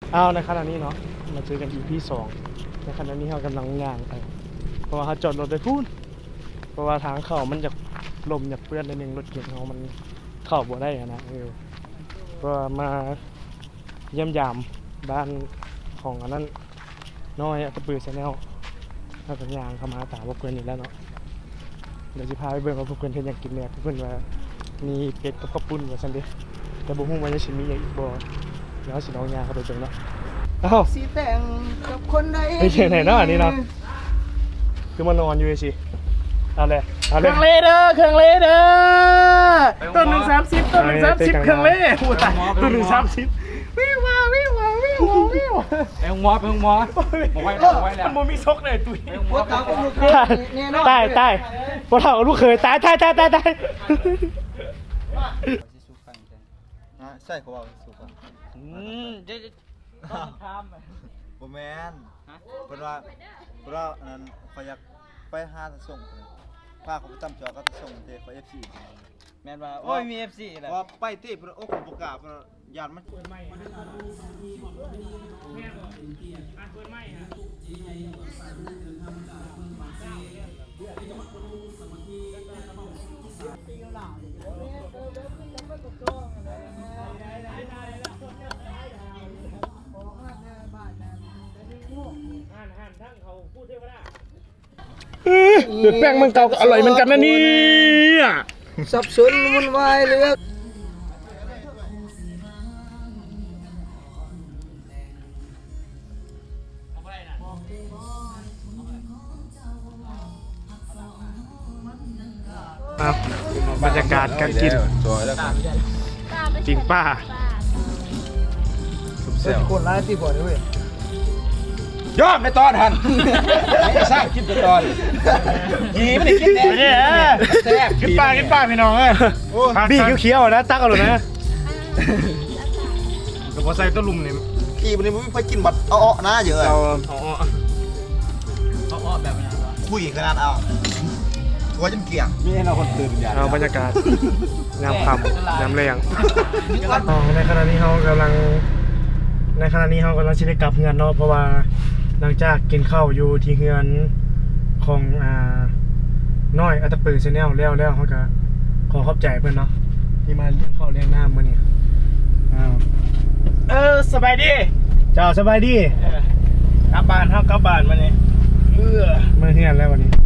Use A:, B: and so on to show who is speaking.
A: เอาในขณะนี้เนาะมาเจอกัน EP 2ในขณะนี้เรากำลังย่างไปเพราะว่าเขาจอดรถไปพูดเพราะว่าทางเข้ามันจะลมอยากเปื้อนนิดนึงรถเก๋งเขามันเข้าบ่ได้อะนะก็มาเยี่ยมยามบ้านของอันนั้นน้อยตะปือชาแนลถ้าเป็นย่างเข้ามาตามพวกเพื่อนอีกแล้วเนาะเดี๋ยวจะพาไปเบิ่งว่าพวกเพื่อนเพิ่นอยากกินเนี่ยพวกเพื่อนว่ามีเป็ดกับข้าวปุ้นว่าซั่นเด้แต่บ่ฮู้ว่าจะสิมีอีกบ่เดี๋ยวสิลองย่างเข้าไปเบิ่งเนาะอ้าว
B: สีแต่งกับคนใด
A: ไม่ใช่ไหนเนาะอันนี้เนาะคือมานอนอยู่สิเอาเลยเอา
B: เค
A: เลย
B: รื่องเลเดอร์เครื่องเลเดอร์ต้นหนึ่ง30ต้นหนึ่ง30เครื่องเล่พูดตายต้นหนึ่ง30วิ่งมาวิ่งมาวิ่งมาวิ่งมา
C: ไปห้องหมอบอกไว้แล้ว
A: มันมีซกเลยตุ้ย
B: พวกเขาก็ลูกเคยแน่นอน
A: ตายพวกเราลูกเคยตาย
D: ใช่เขาบอกสุกอ่ะ
C: จะต้องทำ
D: บ่แมนเพราะว่าอันนั้นเขาอยากไปหาส่งพาเขาไปจำจอก็จะส่งเทเขา FC
C: แม่นว่าโอ้ยมี FC แหละ
D: ว่าไปเต้เพิ่นโอ้ผมประกาศยานมัน
A: เดือดแป้งมันเก่าก็อร่อยเหมือนกันนะนี่
B: สับสนวุ่นวายเรื่อง
A: ครับบรรยากาศการกิน
D: จอยแล้วครับ
A: จริงป้า
D: เสี่ยว
B: คนร้ายตีบ่อยด้วย
C: ยอมในตอนทันไม่สร้างคลิปในตอนยีไม่ได้คิดแน่
A: เนี่ย
C: แซ่บ
A: กินป้าพี่น้องเอ้ยบี้เขียวๆนะตักเอาเลยนะแต่พอใส่ต้นลุมเนี่ย
D: กี่วันนี้มึงไปกินบัดเอาๆนะเยอะ
A: เรา
C: อ้อแบบนี้
D: คุยขนาดเอาตัวจนเกี่ยง
C: มีให้เราคนตื่นอย่าง
A: เอาบรรยากาศยามค่ำยามแรงในขณะนี้เรากำลังชิได้กลับเฮือนเนาะเพราะว่าหลังจากกินข้าวอยู่ที่เฮือนของน้อยอัตตปือชาแนลแล้วเขาก็ขอขอบใจเพื่อนเนาะที่มาเลี้ยงข้าวเลี้ยงน้ำมื้อนี้
B: สบายดี
A: เจ้าสบายดี
B: กลับบ้านเฮากลับบ้านมานี่
A: มาเฮือนแล้ววันนี้